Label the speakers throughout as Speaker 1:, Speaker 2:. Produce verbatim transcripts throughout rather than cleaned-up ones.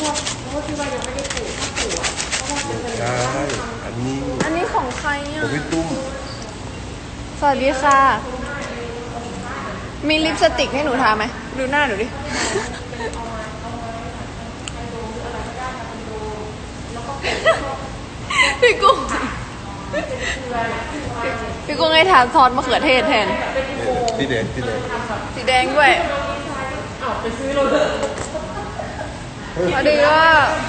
Speaker 1: เพราะว่าที่ว่ายังไม่ได้ปลูกถ้าปลูกเพราะว่าจะเป็น
Speaker 2: ใช่อันนี้
Speaker 3: อันนี้ของใครอ่ะ
Speaker 2: ของพี่ตุ้ม
Speaker 3: สวัสดีค่ะ มีลิปสติกให้หนูทาไหมดูหน้าหนูดิ พี่กุ้งพี่กุ้งให้ทาซอสมะเขือเทศแทน
Speaker 2: สีแดงสีแดง
Speaker 3: สีแดงด้วยพอดีว่า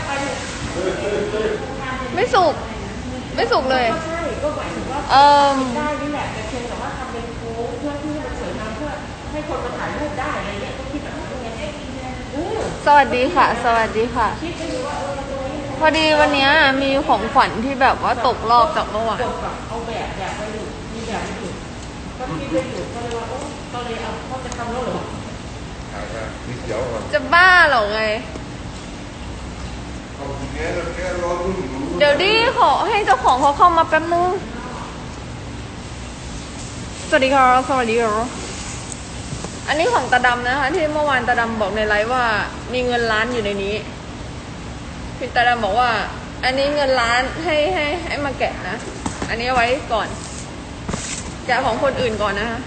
Speaker 3: ไม่สุก ไม่สุกเลย
Speaker 1: ใช่ก็หมายถึงว่า
Speaker 3: เอ่อ
Speaker 1: ได้นี่แหละแต่เพียงแต่ว่าทำเป็นโค้งเพื่อที่ให้มันสวยงามเพื่อให้คนมาถ่ายรูปได้อะไรเงี้ยก็คิดแบบนี้ไงเออ
Speaker 3: สวัสดีค่ะ สวัสดีค่ะ
Speaker 1: คิดไปดูว่าเออเราจะไว้ให้
Speaker 3: พอดีวันนี้มีของขวัญที่แบบว่าตกรอบจากเมื่อวาน
Speaker 1: กดแบบเอาแบบแบบไปอยู่มีแบบไปอยู่ก็คิดไปอยู่ก็เลยว่าโอ้ก็เลยเอาเขาจะทำแล้วเหรอ
Speaker 2: อ่าสีเขียวอ่ะ
Speaker 3: จะบ้าเหรอไง
Speaker 2: เอาทีนี้เราแค่รอรุ่นอยู่
Speaker 3: เดี๋ยวดิขอให้เจ้าของเขาเข้ามาแป๊บนึง สวัสดีค่ะสวัสดีค่ะอันนี้ของตาดำนะคะ ที่เมื่อวานตาดำบอกในไลฟ์ว่ามีเงินล้านอยู่ในนี้พี่ตาดำบอกว่า อันนี้เงินล้านให้ให้ให้มาแกะนะ อันนี้เอาไว้ก่อน แกะของคนอื่นก่อนนะคะ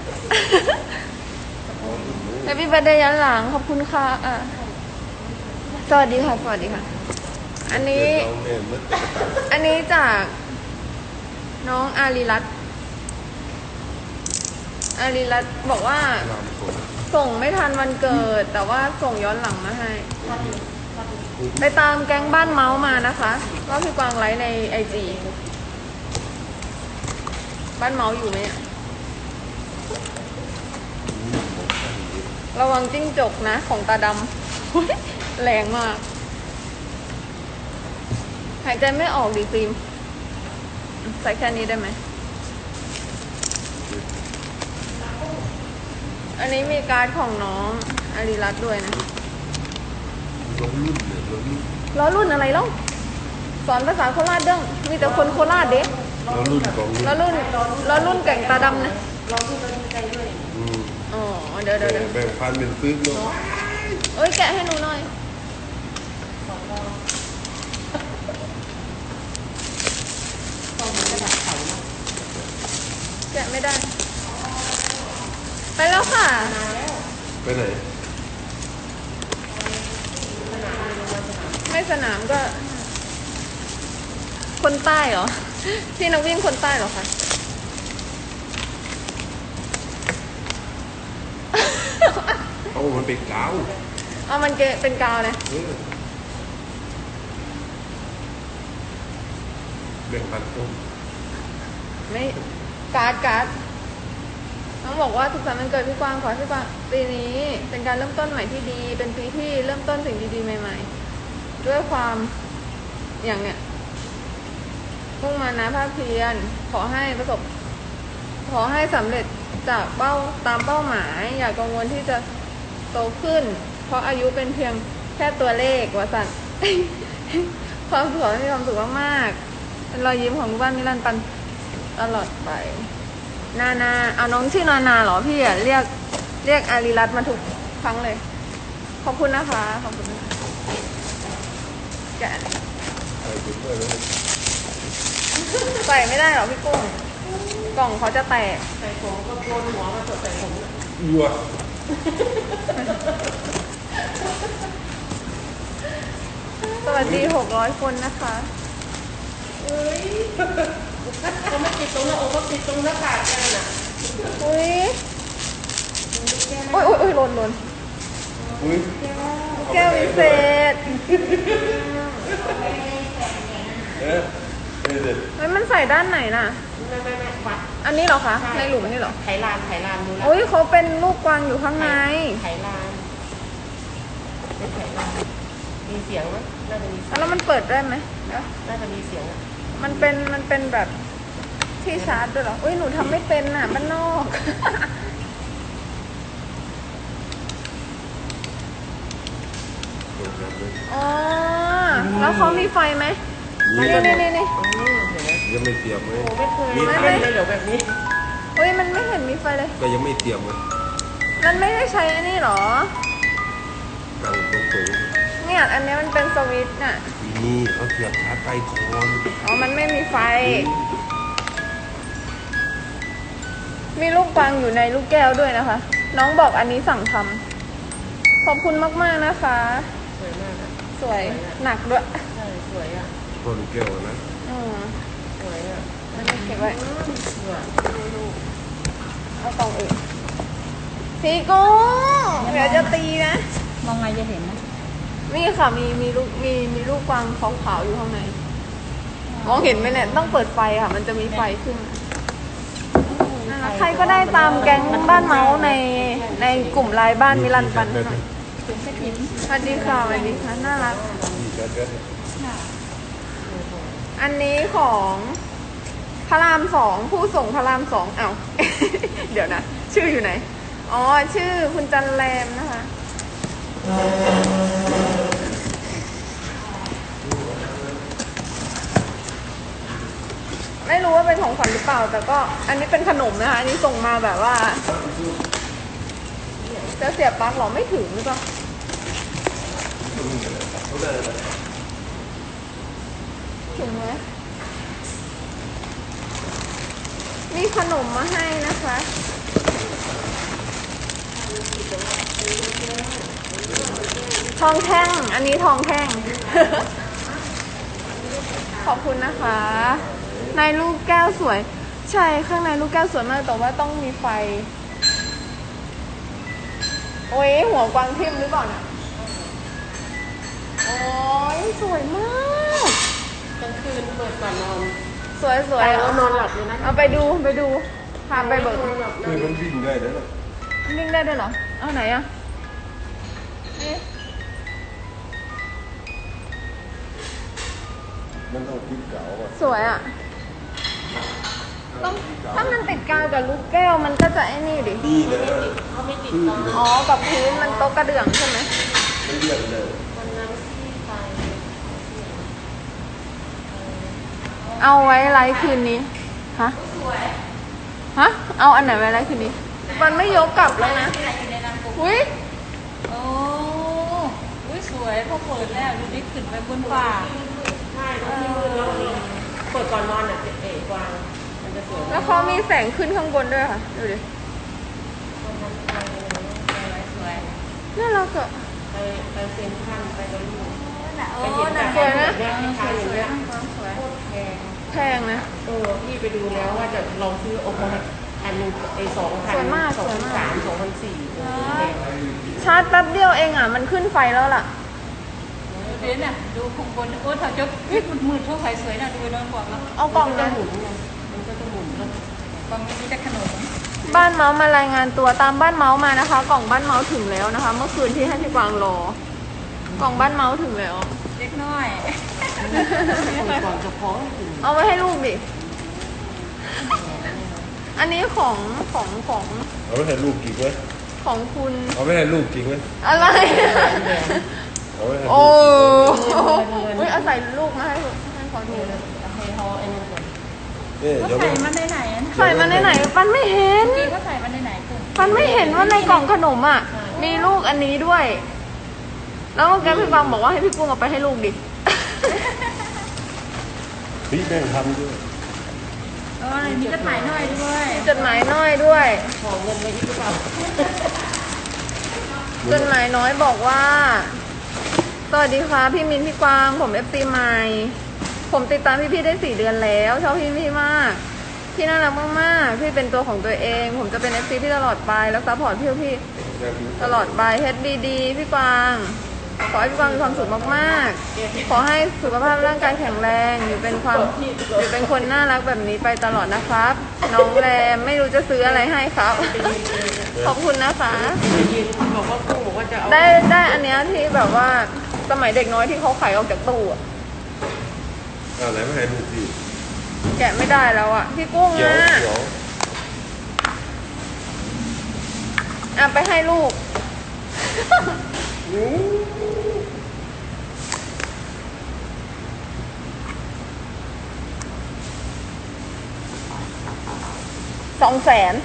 Speaker 3: แฮปปี้เบิร์ธเดย์ย้อนหลังขอบคุณค่ะอ่ะสวัสดีค่ะสวัสดีค่ะ อันนี้
Speaker 2: เราเนี่ยมันจะกระต่าย
Speaker 3: อันนี้จากน้องอารีรัตน์อารีรัตน์บอกว่า
Speaker 2: รามคน
Speaker 3: ส่งไม่ทันวันเกิด แต่ว่าส่งย้อนหลังมาให้ ไปตามแก๊งบ้านเมาส์มานะคะว่าพี่กวางไลฟ์ในไอจีบ้านเมาส์อยู่ไหมอะระวังจิ้งจกนะของตาดำ แรงมาก หายใจไม่ออกดิฟิล์มใส่แค่นี้ได้ไหม อันนี้มีการ์ดของน้องอารีรัตน์ด้วยนะ
Speaker 2: รถรุ่นเนี่ยรถรุ่น
Speaker 3: ล้อรุ่นอะไรเล่าสอนภาษาโคราชเด้งมีแต่คนโคราชเด้
Speaker 2: รถรุ่นของ
Speaker 3: ล้อรุ่นล้อรุ่นแก่งตาดำนะ
Speaker 1: เราที่เราดีใจด้วย
Speaker 2: อืม
Speaker 3: อ๋อเดี๋ยวเดี๋ยวเดี๋ยว
Speaker 2: แบ่งพันเป็นซื้อเนาะ
Speaker 3: เอ้ยแกะให้หนูหน่อย
Speaker 1: สองเราต้องมีกระดาษใสมา
Speaker 3: แกะไม่ได้ ไปแล้วค่ะ
Speaker 1: มาแล้ว
Speaker 2: ไปไหน
Speaker 1: สนามเลยลงมาสนาม
Speaker 3: ไม่สนามก็ คนใต้เหรอ พี่นักวิ่งคนใต้เหรอคะ
Speaker 2: เอามันเป็นกาว
Speaker 3: เอามันเกะเป็นกาวนะ
Speaker 2: เออแบ่งพันต้น
Speaker 3: ไม่การ์ดการ์ดน้องบอกว่าทุกสัปดาห์มันเกิดพี่กวางขอให้พี่กวางปีนี้เป็นการเริ่มต้นใหม่ที่ดี เป็นปีที่เริ่มต้นสิ่งดีๆใหม่ๆ ด้วยความอย่างเนี้ยมุ่งมานะภาคเพียรขอให้ประสบ ขอให้สำเร็จจากเป้าตามเป้าหมาย อย่ากังวลที่จะโตขึ้น เพราะอายุเป็นเพียงแค่ตัวเลขวสัน ความสุขมีความสุขมากๆเป็นรอยยิ้มของบ้านนิรันดร์ปันตลอดไป นานาเอาน้องชื่อนานาเหรอพี่อะเรียกเรียกอารีรัตน์มาทุกครั้งเลย ขอบคุณนะคะขอบคุณนะคะแกะ
Speaker 2: ใส่ไปด้วยเลย
Speaker 3: ใส่ไม่ได้หรอพี่กุ้งกล่องเขาจะแตก
Speaker 1: ใส่ผมก็โกนหัวมาสดใส่ผม
Speaker 2: ยัว
Speaker 3: สวัสดีหกร้อยคนนะคะ
Speaker 1: เอ้ยเขาไม่ติดตรงหน้าอกเขาติดตรงหน้าผากกันน่ะ
Speaker 3: อุ้ยอุ้ยอุ้ยอุ้ยหล่นหล่น
Speaker 2: อุ้ย
Speaker 3: แก้ววิเศษ
Speaker 2: เออเออเด็ด
Speaker 3: เฮ้ยมันใส่ด้านไหนน่ะ
Speaker 1: ไม่ไม่ไม่วัด
Speaker 3: อันนี้เหรอคะ ในหลุมนี่เหรอ
Speaker 1: ไขลานไขลานดูแลว
Speaker 3: อุ้ยเขาเป็นลูกกวางอยู่ข้างใน
Speaker 1: ไขลานเป็นไขลานมีเสียงไหมน่าจะมีเสียง
Speaker 3: แล้วมันเปิดได้ไหมเดี๋ยว
Speaker 1: น่าจะมีเสียงอะ
Speaker 3: มันเป็นมันเป็นแบบที่ชาร์จด้วยเหรอ อุ้ยหนูทำไม่เป็นน่ะบ้านนอก อ๋อ แล้วเขามีไฟไหมนี่นี่นี่นี่
Speaker 1: อืมเห็นไหม
Speaker 2: ยังไม่เตรียมเลย
Speaker 1: โอ้ไม่เคย
Speaker 2: มี
Speaker 1: ไม่
Speaker 2: ไฟ
Speaker 1: ไม่เลยเดี๋ยวแบบนี้
Speaker 3: อุ้ยมันไม่เห็นมีไฟเลย
Speaker 2: ก็ยังไม่เตรียมเลย
Speaker 3: มันไม่ได้ใช้อันนี้เหรอ
Speaker 2: กลางตรงสูง
Speaker 3: เนี่ยดอันนี้มันเป็นสวิตช์น่ะ
Speaker 2: นี่เขาเสียบชาร์จไฟก่อน
Speaker 3: อ๋อ มันไม่มีไฟ มีลูกกวางอยู่ในลูกแก้วด้วยนะคะ น้องบอกอันนี้สั่งทำขอบคุณมากๆนะคะ
Speaker 1: สวยมากอะ
Speaker 3: สวย หนักด้วย
Speaker 1: ใช่สวยอ่ะ
Speaker 2: พอลูกแก้วนะ
Speaker 3: อืม
Speaker 1: สวยอ่ะ
Speaker 3: แล้วก็เก็บไว้
Speaker 1: สวยลูก
Speaker 3: เอากล่องอื่นพี่กุ้งเดี๋ยวจะตีนะ
Speaker 4: มองไงจะเห็นนะ
Speaker 3: นี่ค่ะ มีมีลูกมีมีลูกกวางขาวๆอยู่ข้างใน มองเห็นไหมเนี่ย ต้องเปิดไฟค่ะ มันจะมีไฟขึ้นนั่นแหละใครก็ได้ตามแก๊งบ้านเมาส์ในในกลุ่มไลน์บ้านมิลันปันหน่อย
Speaker 4: ถึงจะทิ้ง
Speaker 3: สวัสดีค่ะสวัสดีค่ะน่ารัก
Speaker 2: นี่แก๊สแก๊ส
Speaker 3: อันนี้ของพระรามสองผู้ส่งพระรามสองเอ้า เดี๋ยวนะ ชื่ออยู่ไหน อ๋อ ชื่อคุณจันแรมนะคะ ไม่รู้ว่าเป็นของขวัญหรือเปล่า แต่ก็อันนี้เป็นขนมนะคะ อันนี้ส่งมาแบบว่า จะเสียบปลั๊กหรอไม่ถึงหรือเปล่าถึงไหมมีขนมมาให้นะคะ ทองแท่ง อันนี้ทองแท่ง ขอบคุณนะคะ ในลูกแก้วสวย ใช่ข้างในลูกแก้วสวยมากแต่ว่าต้องมีไฟ โอ้ยหัวกวางทิ่มหรือเปล่าเนี่ยโอ้ยสวยมาก
Speaker 1: กลางคืนเปิดก่อนนอน
Speaker 3: สวยสวย
Speaker 1: ไปแล้วนอนหลับเลยนะ
Speaker 3: เอาไปดูไปดูพาไปเบิก
Speaker 2: คือมันวิ่งได้แล้วนะ
Speaker 3: วิ่งได้ด้วยเหรอ เอาไหนอะนี่
Speaker 2: มันต้องติดเก๋าอ่ะ
Speaker 3: สวยอะต้องถ้ามันติดกาวกับลูกแก้วมันก็จะไอ้นี่ดิ
Speaker 2: นี่เลย
Speaker 1: เขาไม่ติดตอน
Speaker 3: อ๋อ กับพื้นมันโต๊ะกระเดื่องใช่ไหม
Speaker 2: มันเรียบเลย
Speaker 1: วันนั้นที่ไป
Speaker 3: เอาไว้ไลฟ์คืนนี้ ฮะ ฮะ เอาอันไหนไว้ไลฟ์คืนนี้ มันไม่ยกกลับแล้วนะ
Speaker 4: อยู่ในน้ำกุ๊ก
Speaker 3: อุ้ย
Speaker 4: โอ้อุ้ยสวยพอเปิดแล้วดูดิขึ้นไปบนฟ้า
Speaker 1: ใช่ตรงที่มืดแล้วเปิดก่อนนอนอ่ะเอ๋กวางมันจะสวย
Speaker 3: แล้วเขามีแสงขึ้นข้างบนด้วยค่ะ ดูดิ
Speaker 4: สวย
Speaker 3: น่ารักอะ
Speaker 1: ไปไปเซ็นทรัลไปแล้วลูก
Speaker 4: โอ้
Speaker 1: ไปเห็น
Speaker 4: หนั
Speaker 1: แต่
Speaker 4: ก
Speaker 3: สวยนะ
Speaker 1: แบบนี้ขายอย่างเงี้ย
Speaker 4: สวย
Speaker 1: โคตรแพง
Speaker 3: แพงนะ
Speaker 1: เออพี่ไปดูแล้วว่าจะลองซื้อโอ้โหอันหนึงไอ้สองพัน
Speaker 3: สวยมาก
Speaker 1: สอง
Speaker 3: สวย
Speaker 1: พัน
Speaker 3: มาก
Speaker 1: สามสองพันสี่โอ้โหแพง
Speaker 3: ชาร์จแป๊บเดียวเองอ่ะ มันขึ้นไฟแล้วล่ะ
Speaker 4: ดูดิเนี่ยดูข้างบนโอ้ถ้าจะพิษมืดๆทั่วไปสวยนะดูน้องบอกแล้ว
Speaker 3: เอากล่อง
Speaker 1: มัน
Speaker 3: เล
Speaker 1: จะ
Speaker 3: ย
Speaker 1: หมุนไงมันก็จะหมุนแล้ว
Speaker 4: บางทีจะขนม
Speaker 3: บ้านเมาส์มารายงานตัวตามบ้านเมาส์มานะคะ กล่องบ้านเมาส์ถึงแล้วนะคะ เมื่อคืนที่ให้พี่กวางรอ กล่องบ้านเมาส์ถึงแล้ว
Speaker 4: เล็กน้อย
Speaker 1: เปิดก่อนจะพอถึง
Speaker 3: เอาไว้ให้ลูกดิ อันนี้ของของของ
Speaker 2: เอาไปให้ลูกกินไหม
Speaker 3: ของคุณ
Speaker 2: เอาไปให้ลูกกินไหม
Speaker 3: อะไร
Speaker 2: เอาไปให้ลู
Speaker 3: โอ้
Speaker 2: ก
Speaker 3: อุ้ยเอาใส่ลูกมาให้ให้ขอดู
Speaker 1: ให้เขาไอ้นั่นก่อน
Speaker 2: นี่
Speaker 4: ก็
Speaker 2: เดี๋ยว
Speaker 4: ใส่
Speaker 2: มัน
Speaker 4: มันในไหนอ่ะ
Speaker 3: ใส่มาในไหนปันไม่เห็น
Speaker 4: กี้ก็ใส่มันในไหนคุณ
Speaker 3: ปันไม่เห็นว่าในกล่องขนมอ่ะ มีลูกอันนี้ด้วย แล้วเมื่อกี้พี่กวางบอกว่าให้พี่กุ้งเอาไปให้ลูกดิ
Speaker 2: พี่แม่งทำด้วย
Speaker 4: เออมีจดหมายหน่อยด้วย
Speaker 3: จดหมายน้อยด้วย
Speaker 1: ขอเงินไว้ที่กระเป๋า
Speaker 3: จดหมายน้อยบอกว่า สวัสดีค่ะพี่มินพี่กวาง ผมเอฟซีใหม่ ผมติดตามพี่พี่ๆได้สี่เดือนแล้วชอบพี่พี่มาก พี่น่ารักมากๆ พี่เป็นตัวของตัวเอง ผมจะเป็นเอฟซีพี่ตลอดไปแล้วซัพพอร์ตพี่พี่ตลอดไปเฮดดีดีพี่กวาง ขอให้พี่กวางมีความสุขมากๆ ขอให้สุขภาพร่างกายแข็งแรงอยู่เป็นความอยู่เป็นคนน่ารักแบบนี้ไปตลอดนะครับ น้องแรมไม่รู้จะซื้ออะไรให้ครับ ขอบคุณนะคะ
Speaker 1: ยืนบอกว่ากุ้งบอกว่าจะเอา
Speaker 3: ได้ได้อันเนี้ยที่แบบว่าสมัยเด็กน้อยที่เขาขายออกจากตู้อะ
Speaker 2: เอาอะไรมาให้ลูกพี่
Speaker 3: แกะไม่ได้แล้วอะพี่กุ้ง
Speaker 2: เดี๋ยว
Speaker 3: อะ
Speaker 2: เดี๋ยว
Speaker 3: อ่ะไปให้ลูก สองแสน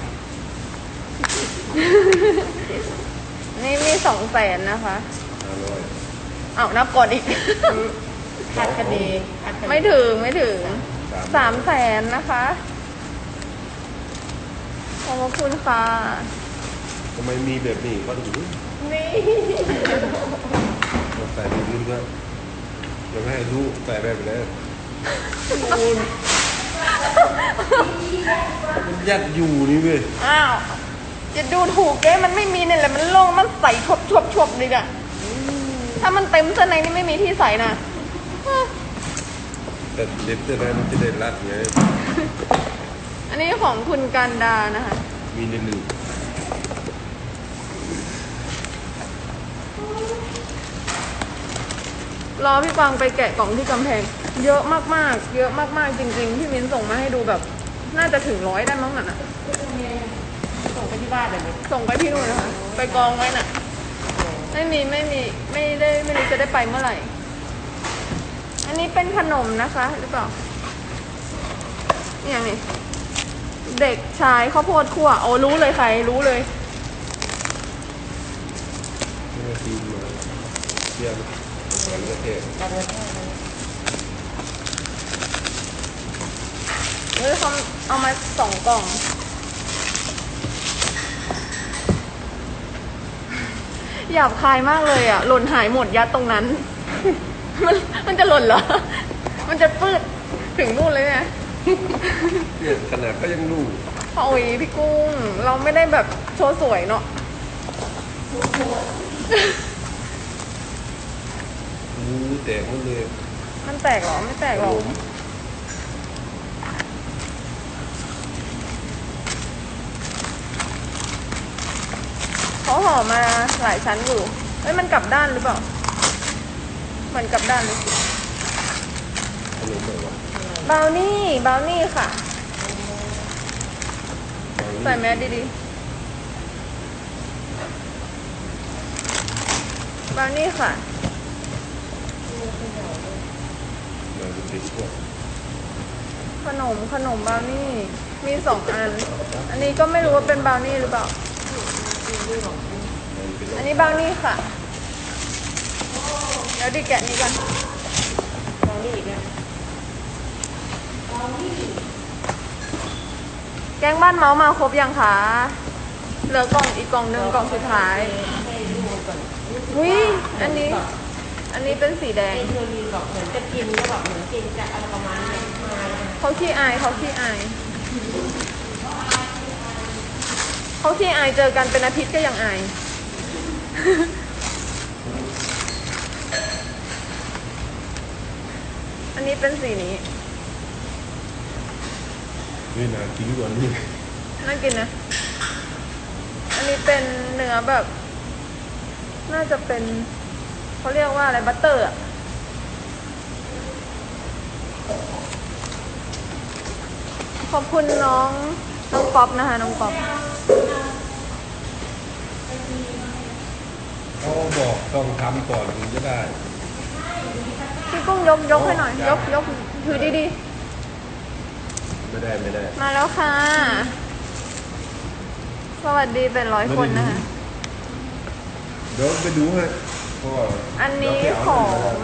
Speaker 3: นี่มีสองแสนนะคะ
Speaker 2: อร่อย
Speaker 3: อ้าวนับก่อนอีก
Speaker 1: ขาดคะแนนขาดคะแนน
Speaker 3: ไม่ถึงไม่ถึงสามแสนนะคะขอบพระคุณค่ะ
Speaker 2: ทำไมมีแบบนี้ก็ดู
Speaker 3: นี่
Speaker 2: ใส่แบบนี้ด้วยเดี๋ยวไม่ให้ลูกใส่แบบนี้มันยัดอยู่นี่เว้ย
Speaker 3: อ้าวจะดูถูกแกมันไม่มีเนี่ยแหละมันโล่งมันใส่ชบชบชบเลยอะถ้ามันเต็มเสื้อในนี่ไม่มีที่ใส่นะ
Speaker 2: แต่เด็ดจะได้มันจะได้รัดไง
Speaker 3: อันนี้ของคุณกันดานะคะ
Speaker 2: มีในหนึ่ง
Speaker 3: รอพี่กวางไปแกะกล่องที่กำแพง เยอะมากๆ เยอะมากๆจริงๆพี่มิ้นส่งมาให้ดูแบบ น่าจะถึงร้อยได้มั้งน่ะ
Speaker 1: ส่งไปที่บ้านเลย
Speaker 3: ส่งไปที่นู่นนะคะ ไปกองไว้น่ะ ไม่มีไม่มีไม่ได้ไม่รู้จะได้ไปเมื่อไหร่ อันนี้เป็นขนมนะคะหรือเปล่านี่อย่างนี้เด็กชายข้าวโพดคั่วโอ้รู้เลยใครรู้เลย
Speaker 2: ไม่ได้ซีนมาเทียมเหมือนกระเทศ
Speaker 1: กันเลย
Speaker 3: เฮ้ยเขาเอามาสองกล่อง หยาบคายมากเลยอ่ะ หล่นหายหมดยัดตรงนั้น มันมันจะหล่นเหรอ มันจะปืดถึงนู่นเลยเนี่ย
Speaker 2: เนี่ยขนาดก็ยังรู้
Speaker 3: โอ้ยพี่กุ้ง เราไม่ได้แบบโชว์สวยเนาะ
Speaker 2: มูแตกหมดเลย
Speaker 3: มันแตกเหรอ ไม่แตกหรอก เขาห่อมาหลายชั้นอยู่เอ้ยมันกลับด้านหรือเปล่าเหมือนกลับด้านเลย
Speaker 2: ขนมอะไรวะ
Speaker 3: บราวนี่บราวนี่ค่ะ ใส่แมสดีๆบราวนี่ค่ะ
Speaker 2: เราจะติดพวก
Speaker 3: ขนมขนมบราวนี่ มีสองอัน อันนี้ก็ไม่รู้ว่าเป็นบราวนี่หรือเปล่า อันนี้บราวนี่ค่ะ เดี๋ยวดิแกะนี้กัน
Speaker 1: ลองนี่อีกนะ
Speaker 3: แกงบ้านเมาส์มาครบยังคะ เหลือกล่องอีกกล่องหนึ่งกล่องสุดท้าย
Speaker 1: ให้ดูก่อน
Speaker 3: อุ้ยอันนี้ อันนี้เป็นสีแดง
Speaker 1: ไอ้เธอรีบอกเหมือนจะกินก็แบบเหมือนกินจะอะไรประมาณนี้มา
Speaker 3: เขาขี้อายเขาขี้อายเขาขี้อายเจอกันเป็นอาทิตย์ก็ยังอาย อันนี้เป็นสีนี้
Speaker 2: นี่นากินกว่านี้
Speaker 3: น่ากินนะ อันนี้เป็นเนื้อแบบ น่าจะเป็นเขาเรียกว่าอะไรบัตเตอร์อะขอบคุณน้องน้องป๊อปนะคะน้องป๊อป
Speaker 2: เขาบอกต้องทำก่อนถึงจะได้
Speaker 3: พี่กุ้งยกยกให้หน่อย ยกยกถือดี
Speaker 2: ไม่ได้ไม่ได้
Speaker 3: ๆ มาแล้วค่ะ สวัสดีเป็นร้อยคนนะคะ
Speaker 2: เดี๋ยวไปดูให้เพราะว่า
Speaker 3: อันนี้
Speaker 2: เดี๋ยว
Speaker 3: ข
Speaker 2: ไป
Speaker 3: อ
Speaker 2: เาง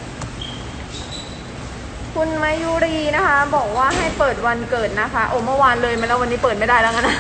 Speaker 3: คุณมายุรีนะคะ บอกว่าให้เปิดวันเกิดนะคะ โอ้เมื่อวานเลยมาแล้ววันนี้เปิดไม่ได้แล้วงั้นนะ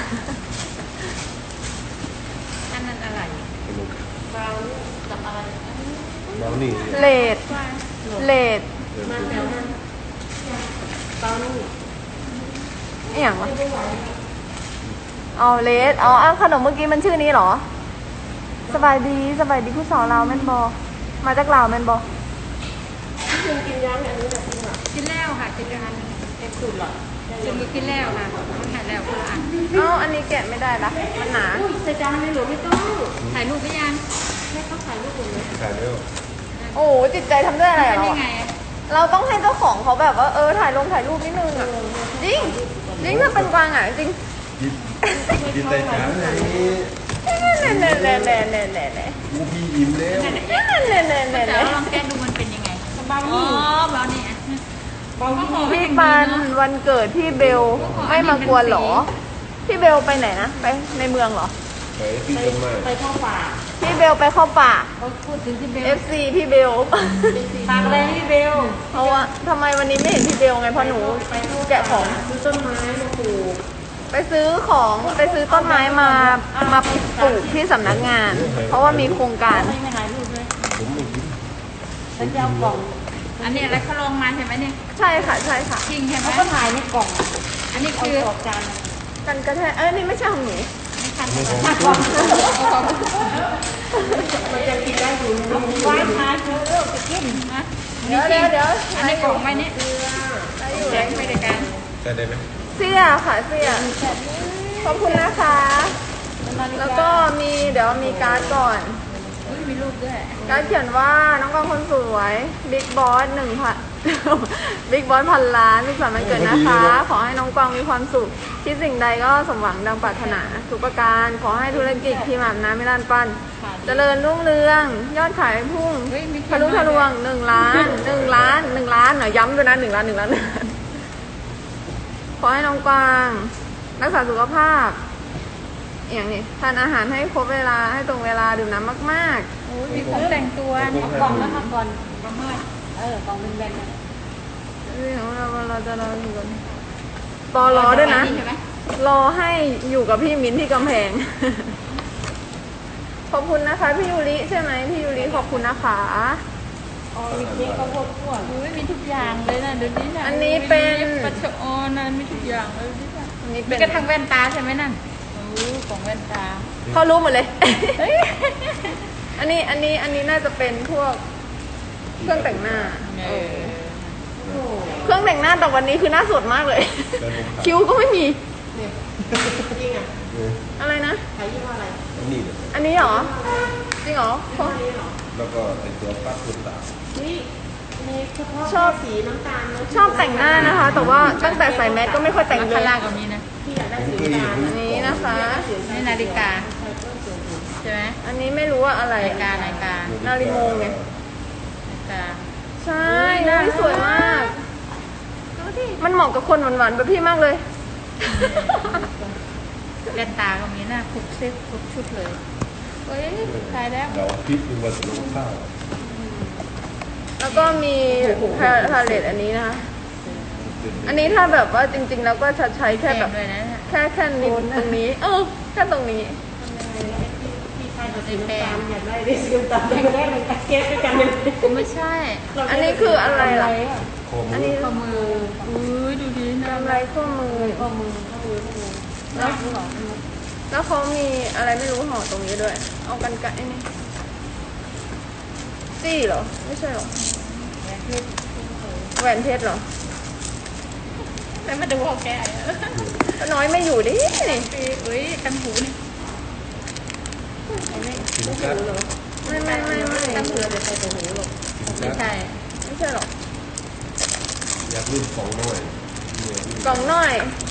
Speaker 4: อันนั้นอะไร
Speaker 2: ขนม
Speaker 1: บางกับอะไร
Speaker 2: บราวนี่
Speaker 3: เลดเลด
Speaker 2: เดี๋ยว
Speaker 1: มา
Speaker 2: ไป
Speaker 1: แถ
Speaker 2: ดู
Speaker 1: วนั้นบางนี่
Speaker 3: อหย่างวะเอาเลดเอาอ้าวขนมเมื่อกี้มันชื่อนี้เหรอ สบายดีสบายดีผู้สาวลาวแม่นบอมาจากลาวแม่นบอ
Speaker 1: กินกินยังอันนี้แบบนี้หรอ
Speaker 4: กินแล้วค่ะกินแล้ว
Speaker 1: เอ็กซ์สุดหรอ
Speaker 4: กินมีกินแล้วค่ะมันหายแล้วคนละอัน
Speaker 3: เอ้าอันนี้แกะไม่ได้ละมันหนา
Speaker 1: อุ้ยใส่จานเลยหรือไม่ต้อง
Speaker 4: ถ่ายรูปหรือยัง
Speaker 1: ไม่ต้องใส่ลูกเลย
Speaker 2: ถ่ายแล้ว
Speaker 3: โอ้โหจิตใจทำด้วยอะไร
Speaker 4: เป็น
Speaker 3: เรา
Speaker 4: ยังไง
Speaker 3: อะเราต้องให้เจ้าของเขาแบบว่าเออถ่ายลงถ่ายรูปนิดนึงอ่ะจริงจริงถ้าเป็นกวางอ่ะจริง
Speaker 2: กินกินแต่จานนี้
Speaker 3: เน่เน่เน่เน่เน่เน่เน่
Speaker 2: กูพี่อิ่มแล้ว
Speaker 3: เน่เน่เน่เน่
Speaker 4: แต่
Speaker 3: เน่
Speaker 4: ว่าลองแกะดูมันเป็นยังไง
Speaker 1: บาง
Speaker 4: อ๋อ
Speaker 1: นี่
Speaker 4: เบาเนี่ย
Speaker 1: บางนี่
Speaker 3: พี่ปันวันเกิดพี่เบลไม่มากวนเหรอ พี่เบลไปไหนนะไปในเมืองเหรอ
Speaker 2: ไปที่
Speaker 1: ไป
Speaker 2: ต้นไม้
Speaker 1: ไปเข้าป่า
Speaker 3: พี่พี่เบลไปเข้าป่า
Speaker 4: เขาพูดถึงที่เบล
Speaker 3: เอฟ ซี พี่เบล
Speaker 4: ฝากอะไรให้เบล
Speaker 3: เพราะว่าทำไมวันนี้ไม่เห็นพี่เบลไงเพราะหนูแกะของ
Speaker 1: ซื้อต้นไม้มาปลูก
Speaker 3: ไปซื้อของไปซื้อต้นไม้มามาปลูกที่สำนักงาน เพราะว่ามีโครงการ
Speaker 4: ไม่ไม่ถ่ายรูปเลย
Speaker 2: ผมไม่กิน
Speaker 4: ฉันจะเอากล่อง อันนี้อะไรเขาลงมาใช่ไหมเนี่ย
Speaker 3: ใช่ค่ะใช่ค่ะ
Speaker 4: จริงใช่ไหม
Speaker 1: เขาก็ถ่ายในกล่อง
Speaker 4: อันนี้คือออกจาน
Speaker 3: กันกระแทกเอ้ยนี่ไม่ใช่ของหนู
Speaker 4: ไม่ทัน
Speaker 2: ไม่
Speaker 4: เล
Speaker 2: ข
Speaker 4: ย
Speaker 2: องต้น
Speaker 1: มันจะกินได้อยู่ในนี้
Speaker 4: ไว้ทานเธอเลิกจะกินนะ
Speaker 3: เดี๋ยวเดี๋ยวเดี๋ยว
Speaker 4: อันนี้ของไว้นี่
Speaker 3: ได้อยู่
Speaker 4: แจกไม่ได้การ
Speaker 2: ใช่ได้ไหม
Speaker 3: เสื้อค่ะเสื้อขอบคุณนะคะ แล้วก็มีเดี๋ยวมีการ์ดก่อน
Speaker 4: อุ๊ยมีรูปด้วย
Speaker 3: การ์ดเขียนว่าน้องกองคนสวยบิ๊กบอสหนึ่งพัน บิ๊กบอสพันล้านสุขสันต์วันเกิดนะคะ ขอให้น้องกวางมีความสุขคิดสิ่งใดก็สมหวังดังปรารถนาทุกประการขอให้ธุรกิจทีมอาบน้ำไม่ลานปันเจริญรุ่งเรือง ยอดขายพุ่ง
Speaker 4: เฮ้ยมี
Speaker 3: ทะลุทะลวงหนึ่งล้านหนึ่งล้านหนึ่งล้านหน่อยย้ำด้วยนะหนึ่งล้านหนึ่งล้านหนึ่งล้านขอให้น้องกวางรักษาสุขภาพอย่างนี้ทานอาหารให้ครบเวลาให้ตรงเวลาดื่มน้ำมาก
Speaker 4: โอ้ยมีของแต่งตัวเอากล่องแล้วค่ะก่อนประมาณเออกล่องเป็นแบนๆ
Speaker 3: ๆเรื่องของเราเราจะรออยู่กันปอรอด้วยนะ
Speaker 4: ใช่ไหม
Speaker 3: รอให้อยู่กับพี่มิ้นที่กำแพง ขอบคุณนะคะพี่ยูริใช่ไหมพี่ยูริขอบคุณนะคะ
Speaker 1: อ๋อมีเค้กข้าวโพดคั่ว
Speaker 4: โอ้ยมีทุกอย่างเลยนะเดี๋ยวนี้นะ
Speaker 3: อันนี้เป็น
Speaker 4: ปัจจุบันนะมีทุกอย่างเลยดิค่ะ
Speaker 3: อันนี้
Speaker 4: มี
Speaker 3: เป็น
Speaker 4: กระทั่งแว่นตาใช่ไหมนั่นโอ้ของแว่นตา
Speaker 3: เขารู้หมดเลย อันนี้อันนี้อันนี้น่าจะเป็นพวกเครื่องแต่งหน้า
Speaker 4: เออ
Speaker 1: โอ้
Speaker 3: เครื่องแต่งหน้าแต่วันนี้คือหน้าสดมากเลย
Speaker 2: แต่ผมขาย
Speaker 3: คิ้วก็ไม่มี
Speaker 1: เนี่ยจริงอ่ะ
Speaker 2: เออ
Speaker 3: อะไรนะ
Speaker 1: ขายยี่ห้ออะไร
Speaker 2: อันนี้เลย
Speaker 3: อันนี้เหรอ จริงเหรอ
Speaker 1: ยี่ห้อนี้เหรอ
Speaker 2: แล้วก็ไอตัวปั๊บคุณตา
Speaker 1: นี่มีเฉพาะ
Speaker 3: ชอบ
Speaker 1: สีน้ำตาลเนอะ
Speaker 3: ชอบแต่งหน้านะคะ แต่ว่าตั้งแต่ใส่แมสก็ไม่ค่อยแต่งเล
Speaker 4: ข้าย งล่างก็มีนะ
Speaker 1: ที่อยากได้สีน้ำตาล
Speaker 3: อันนี้นะคะ
Speaker 4: นี่นาฬิกาใช่ไหม
Speaker 3: อันนี้ไม่รู้ว่าอะไร
Speaker 4: นาฬิกานาฬิกา
Speaker 3: นาฬิโมงไง
Speaker 4: นาฬิกา
Speaker 3: ใช่อุ๊ยสวยมาก มันเหมาะกับคนหวานๆแบบพี่มากเลย
Speaker 4: แว่นตาก็มีนะทุกเซ็ตทุกชุดเลยเฮ้ยขายแล้ว
Speaker 2: เราพริกหรือว่าลงข้าว
Speaker 3: แล้วก็มีพาพาเลตอันนี้นะคะ อันนี้ถ้าแบบว่าจริง ๆ แล้วก็จะใช้แค่แบบ
Speaker 4: เต็มเลยนะเนี่ย
Speaker 3: แค่แค่นิดตรงนี้ เออ แค่ตรงนี้
Speaker 1: ที่ใครจะสีน้ำตาลอยากได้ได้สีน้ำตาลอยากได้มันเค้กด้วยกันเลย
Speaker 4: ไม่ใช่
Speaker 3: อันนี้คืออะไรล่ะ
Speaker 2: โคม
Speaker 3: อันนี้
Speaker 4: ข้อมืออุ้ยดูดีนะ
Speaker 3: กำไรข้อมือ
Speaker 1: ข้อมือข้อมือข้อมือ
Speaker 3: แล้วแล้วเขามีอะไรไม่รู้ห่อตรงนี้ด้วย เอากันไกลนี่จี้เหรอ ไม่ใช่เหรอ แหวนเพชรเหรอ
Speaker 4: แล้วมาดูของแกอ่ะ
Speaker 3: ป้าน้อยไม่อยู่ดินี่
Speaker 4: อุ้ยกันหูนี่
Speaker 2: สินค้า
Speaker 3: ไม่ไม่ไม่ไม่
Speaker 1: ตั้งเผื่อเดี๋ยวใส่ตัวหูหรอก
Speaker 2: สิน
Speaker 4: ไม่
Speaker 2: ค้า
Speaker 4: ใช่
Speaker 3: ไม่ใช่หรอก
Speaker 2: อยากรุ่นสองหน่อยเนี่ย
Speaker 3: กล่องน้อย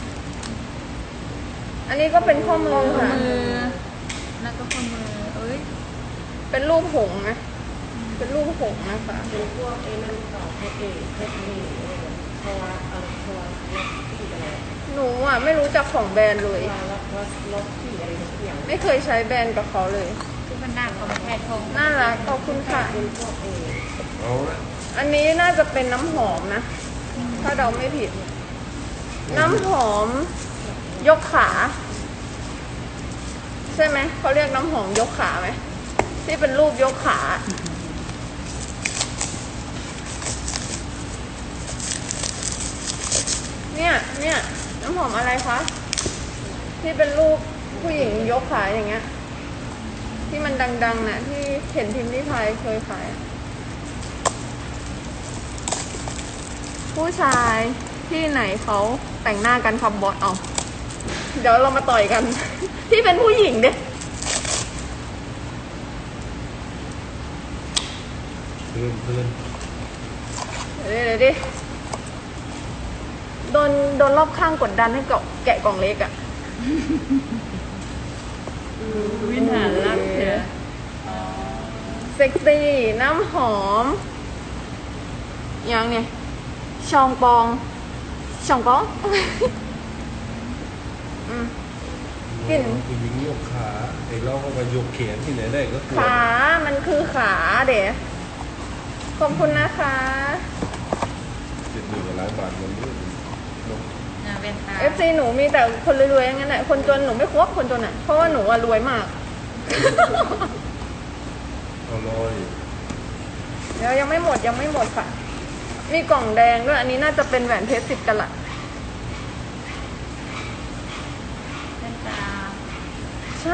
Speaker 3: อันนี้ก็เป็นข้อมือ
Speaker 4: ข้อ
Speaker 3: ค่ะ
Speaker 4: มือแล้วก็ข้อมือเอ้ย
Speaker 3: เป็นรูปหงส์นะ เป็นรูปหงส์นะคะ
Speaker 1: เป็นพวกเอ็นนั่นต่อเพชรเองเพชรนี่เพราะว่าเออเพราะว่าล็อกที่อะไร
Speaker 3: หนูอ่ะไม่รู้จักของแบรนด์เลย
Speaker 1: ล็อกล็อกล็อกที่อะไรทุกอย่าง
Speaker 3: ไม่เคยใช้แบรนด์กับเขาเลย
Speaker 4: ที่มันหน้าของแพทย์ทอง
Speaker 3: น่ารักขอบคุณค่ะ
Speaker 1: เป็นพวกเออ
Speaker 2: เอาละ
Speaker 3: อันนี้น่าจะเป็นน้ำหอมนะ ถ้าเดาไม่ผิด น้ำหอมยกขา ใช่ไหม เขาเรียกน้ำหอมยกขาไหม ที่เป็นรูปยกขา เนี่ย เนี่ย น้ำหอมอะไรคะ ที่เป็นรูปผู้หญิงยกขาอย่างเงี้ย ที่มันดังๆน่ะ ที่เห็นพิมพ์ริพายเคยขายอะผู้ชายที่ไหนเขาแต่งหน้ากันครับบอสเอาเดี๋ยวเรามาต่อยกัน ที่เป็นผู้หญิงเด้
Speaker 2: เพื่อนเพื่อน
Speaker 3: เดี๋ยวดิเดี๋ยวดิโดนโดนรอบข้างกดดันให้เกาะแกะกล่องเล็กอะ
Speaker 4: วินหารรักเถอะ
Speaker 3: เซ็กซี่น้ำหอมยังเนี่ยชองปองชองปอง อืม
Speaker 2: น
Speaker 3: กลิ่น
Speaker 2: ผู้หญิงยกขาไอ้เราก็มายกแขนที่ไหนได้ก็กลัว
Speaker 3: ขา มันคือขาเดี๋ยวขอบคุณนะคะ
Speaker 2: เจ็ดหมื่นกว่าล้านบาทเงินด้วยเนอะ
Speaker 4: อ่าเป็นตา
Speaker 3: เอฟซีหนูมีแต่คนรวยๆอย่างนั้นแหละคนจนหนูไม่คบคนจนอ่ะ เพราะว่าหนูอะรวยมาก
Speaker 2: เอาลอย
Speaker 3: เดี๋ยวยังไม่หมดยังไม่หมดค่ะ มีกล่องแดงด้วย อันนี้น่าจะเป็นแหวนเพชรสิบกะลัต
Speaker 4: เป็นตา
Speaker 3: ใช่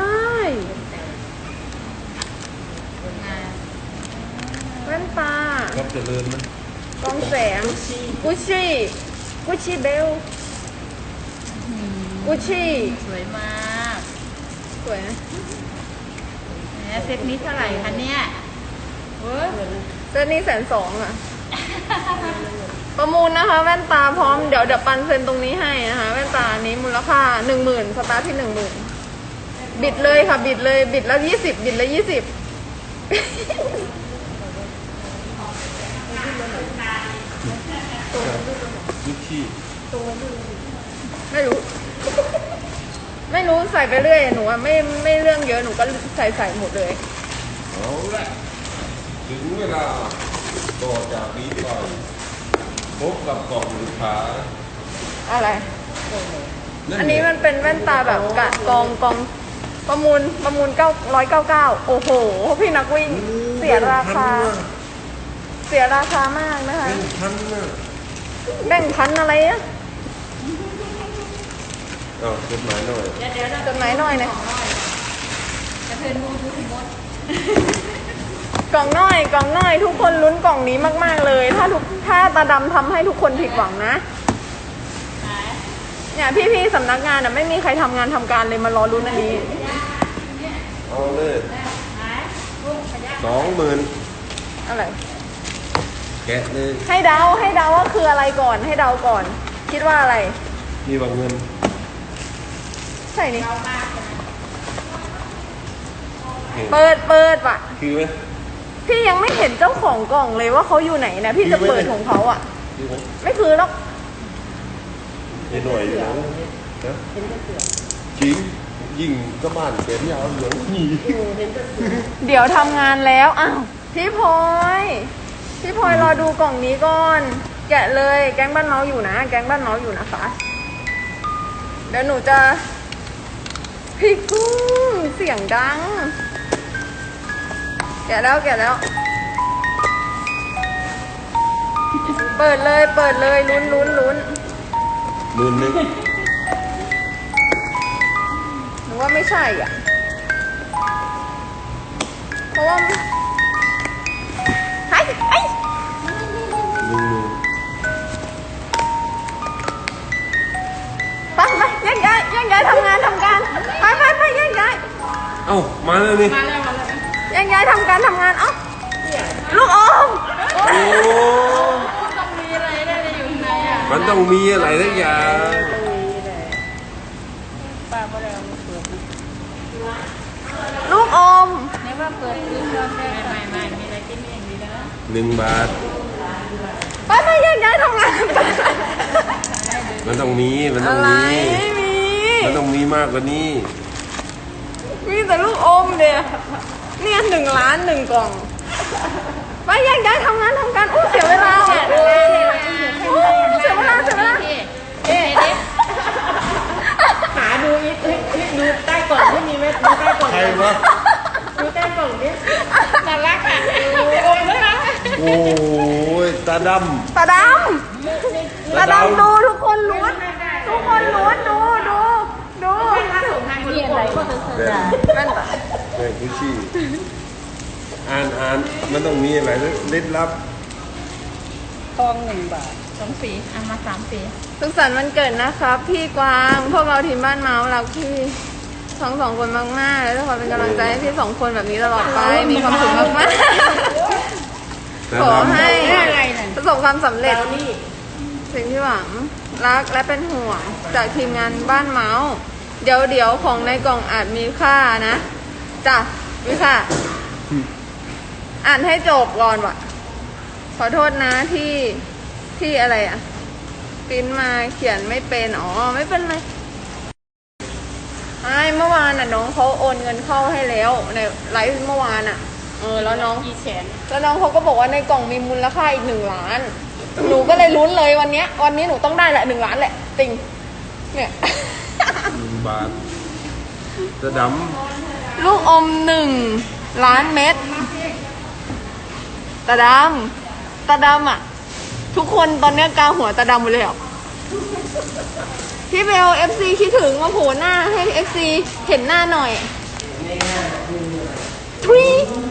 Speaker 4: เป็นไง
Speaker 3: แว่นตา
Speaker 2: รับเจริญไหม
Speaker 3: กองแสง กุชชี่ กุชชี่เบล
Speaker 4: อืม
Speaker 3: กุชชี่
Speaker 4: สวยมาก
Speaker 3: สวยนะ
Speaker 4: แหมเซ็ตนี้เท่าไหร่คะเนี่ยเว้ย
Speaker 3: เซตนี้แสนสองอ่ะ ประมูลนะคะ แว่นตาพร้อม เดี๋ยวเดี๋ยวปันเซ็นตรงนี้ให้นะคะ แว่นตานี้มูลค่าหนึ่งหมื่นสตาร์ทที่หนึ่งหมื่นบิดเลยค่ะ บิดเลย บิดแล้วยี่สิบบิดแล้วยี่สิบ
Speaker 2: ยุคขี้
Speaker 3: ไม่รู้ ไม่รู้ใส่ไปเรื่อยหนูอะไม่ไม่เรื่องเยอะหนูก็ใส่ใส่หมดเลย
Speaker 2: เอาละถึงเวลาต่อจากนี้ไปพบกับกล่องลูกค้า
Speaker 3: อะไร
Speaker 2: นั่
Speaker 3: อันนี้
Speaker 2: ไง
Speaker 3: มันเป็นแว่นตาแบบกะกองกองประมูลประมูลเก้าร้อยเก้าเก้าโอ้โห พี่นักวิ่ง เสียราคา เสียราคามากนะคะ
Speaker 2: เป็นพันนะ
Speaker 3: แบ่งพันอะไรอะ
Speaker 2: อ้าวจดหมายหน่อย
Speaker 4: เดี๋ยวเดี๋ยวเรา
Speaker 3: จดหมายหน่อยนะ
Speaker 4: จะเพิ่นมูทุกมด
Speaker 3: กล่องน้อยกล่องน้อย ทุกคนลุ้นกล่องนี้มากๆเลย ถ้าทุกถ้าตาดำทำให้ทุกคนผิดหวังนะ
Speaker 4: ไหน
Speaker 3: เนี่ยพี่ๆสำนักงานอ่ะไม่มีใครทำงานทำการเลยมารอลุ้นอันนี้
Speaker 2: เอาเลย
Speaker 4: ไหนลูกขยะ
Speaker 2: สองหมื่น
Speaker 3: อะไร
Speaker 2: แกะเลย
Speaker 3: ให้เดาให้เดาว่าคืออะไรก่อนให้เดาก่อน คิดว่าอะไร
Speaker 2: มีบางเงิน
Speaker 3: ใช่นี่
Speaker 2: เห็น
Speaker 3: เปิดเปิดว่ะ
Speaker 2: คือไหม
Speaker 3: พี่ยังไม่เห็นเจ้าของกล่องเลยว่าเขาอยู่ไหนนะพี่จะเปิดของเขาอ่ะ
Speaker 2: คือไหม
Speaker 3: ไม่คือหรอก
Speaker 2: เห็นหน่อยอยู่นะนะจริงยิ่งก็บ้านเขียนยาวเหลืองนี่
Speaker 3: เดี๋ยวทำงานแล้วอ้าวพี่พลอยพี่พลอยรอดูกล่องนี้ก่อน แกะเลยแก๊งบ้านเมาส์อยู่นะ แก๊งบ้านเมาส์อยู่นะคะ เดี๋ยวหนูจะพี่กุ้งเสียงดัง แกะแล้วแกะแล้ว เปิดเลยเปิดเลยลุ้นลุ้นลุ้น
Speaker 2: หมื่นหนึ่ง
Speaker 3: หนูว่าไม่ใช่อ่ะ เพราะว่าไอ้ไอ้
Speaker 2: หนึ่งหมื่น
Speaker 3: ไปไปแยกย้ายแยกย้ายทำงานทำการไปไปไปแยกย้าย
Speaker 2: เอ้ามาแล้วนี่
Speaker 4: มาแล้วมาแล้ว
Speaker 3: แยกย้ายทำการทำงานเอ้าลูกอม
Speaker 2: โอ้
Speaker 4: ต้องมีอะไรได้เลยอยู่ข้างในอ่ะ
Speaker 2: มันต้องมีอะไรสักอย่าง
Speaker 4: ป้าก็เลยเอามาเปิด
Speaker 3: ลูกอม
Speaker 4: ในว่าเปิดคือเครื่องแรกไม่ไม่มีอะไรกินเองดีนะ
Speaker 2: หนึ่งบาท
Speaker 3: ไปไปแยกย้ายทำงาน
Speaker 2: มันต้องมีมันต้
Speaker 3: อะ
Speaker 2: อง
Speaker 3: ไร
Speaker 2: มี
Speaker 3: ไม่มี
Speaker 2: มันต้องมีมากกว่านี้
Speaker 3: มีแต่ลูกอมเดียเนี่ยหนึ่งล้านหนึ่งกล่องไปแยกย้ายทำงานทำการอู้เสียเวลาอ่ะอู้เสียเวลาเสียเวลา
Speaker 4: เอ๊ะเอ๊ะ
Speaker 1: หาดูอีกเฮ้ยเฮ้ยดูใต้กล่องไม่มีไหมดูใต้กล่อง
Speaker 2: ใครวะ
Speaker 1: ดูใต้กล่องดิ
Speaker 4: น่ารักอ่ะโอ้ยน่ารัก
Speaker 2: โอ้ยตาด
Speaker 3: ตาดำตาดำดูทุกคนลุ้นทุกคนลุ้นดูดูดู
Speaker 1: ถ้าส่งทางคน
Speaker 4: มี
Speaker 1: ละ
Speaker 4: อะ
Speaker 1: กล่
Speaker 4: ไร
Speaker 1: อง
Speaker 4: ก็
Speaker 1: ก็
Speaker 4: จะ
Speaker 2: ำแบบ
Speaker 3: แว่นตา
Speaker 2: แม่งกุชชี่อ่านอ่านมันต้องมีอะไรลึกลับ
Speaker 4: ทองหนึ่งบาทสองสีเอามาสามสี
Speaker 3: สุขสันต์วันเกิดนะครับ พี่กวางพวกเราทีมบ้านเมาส์รักพี่ทั้งสองคนมากๆแล้วทุกคนเป็นกำลังใจให้พี่สองคนแบบนี้ตลอดไปมีความสุขมาก
Speaker 2: ตา
Speaker 3: ๆขอ
Speaker 2: ดำ
Speaker 3: ให้
Speaker 4: อะไรนั่น
Speaker 3: ประสบความสำเร็จ
Speaker 1: แล้วนี่
Speaker 3: สิ่งที่หวังรักและเป็นห่วงจากทีมงานบ้านเมาส์เดี๋ยวเดี๋ยวของในกล่องอาจมีค่านะจ้ะมีค่าอ่านให้จบก่อนว่ะ ขอโทษนะที่ที่อะไรอ่ะปริ้นมาเขียนไม่เป็นอ๋อไม่เป็นไรอ่ะไม่เมื่อวานน่ะน้องเขาโอนเงินเข้าให้แล้วในไลฟ์เมื่อวานอ่ะ เออแล้วน้อง
Speaker 4: กี่แสน
Speaker 3: แล้วน้องเขาก็บอกว่าในกล่องมีมูลค่าอีกหนึ่งล้าน หนูก็เลยลุ้นเลยวันเนี้ย วันนี้หนูต้องได้แหละหนึ่งล้านแหละติงเนี่ย
Speaker 2: หนึ่งบาทจะด
Speaker 3: ลูกอมหนึ่งล้านเม็ดตาดำตาดำอ่ะ ทุกคนตอนเนี้ยกาหัวตาดำหมดเลยเหรอพี่เบลเอฟซีคิดถึงมาโผล่หน้าให้เอฟซีเห็นหน้าหน่อยทรี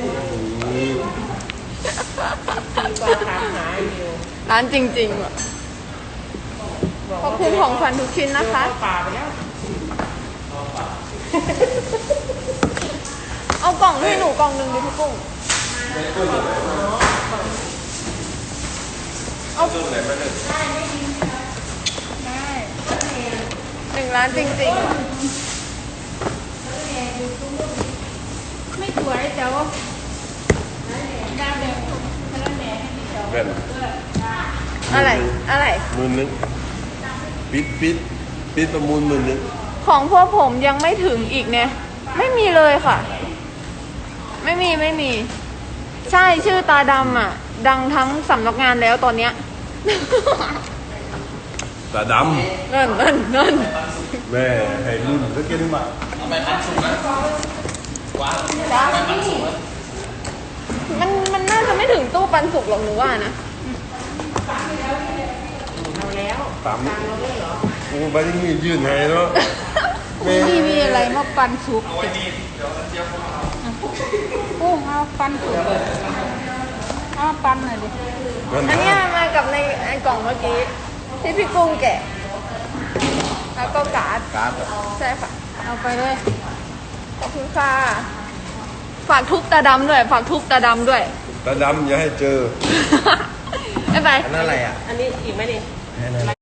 Speaker 1: ก็ถามหาอยู่
Speaker 3: ร้านจริงๆอ่ะขอบคุณของขวัญทุกชิ้นนะคะ
Speaker 1: ป่าไปแล้ว
Speaker 3: เอากล่องให้หนูกล่องหนึ่งดิพี่กุ้ง เอา
Speaker 2: ำไหนไปเลย
Speaker 4: ได้
Speaker 3: หนึ่งล้านจริงๆอ่ะ
Speaker 4: ไม่สวยแต่ว่าดาวแดงพลังแดงให้พี่เจ้า
Speaker 2: แว่น
Speaker 3: อะไร อะไร
Speaker 2: หมื่นหนึงปิดปิดปิดประมูลหมื่นหนึง
Speaker 3: ของพวกผมยังไม่ถึงอีกเนี่ย ไม่มีเลยค่ะ ไม่มีไม่มี ใช่ชื่อตาดำอ่ะ ดังทั้งสำนักงานแล้วตอนเนี้ย
Speaker 2: ตาด
Speaker 3: นั่นนั่นนั่น
Speaker 2: ำแม่ให้รุ่นสักกินมา
Speaker 3: มันมันน่าจะไม่ถึงตู้ปันสุกหรอกหนูว่านะ
Speaker 1: เอาแล้ว
Speaker 2: ตามกูไปที่นี่ยื่นให้เนาะแม่
Speaker 4: นี่มีอะไรมาปันสุกกุ้งเอาปันสุกเลยเอาปันหน่อยดิ
Speaker 2: มัน
Speaker 3: อันเนี้ยมากับในไอ้กล่องเมื่อกี้ ที่พี่กุ้งแกะ แล้วก็การ์ด
Speaker 2: การ์ด
Speaker 3: ใช่ค่ะ
Speaker 4: เอาไปเลย
Speaker 3: ขอบคุณค่ะ ฝากทุบตาดำด้วย ฝากทุบตาดำด้วย
Speaker 2: ตาดำอย่าให้เจอ
Speaker 3: บ๊ายบาย
Speaker 2: อันนั้นอะไรอ่ะ
Speaker 1: อันนี้อีกไหมดิ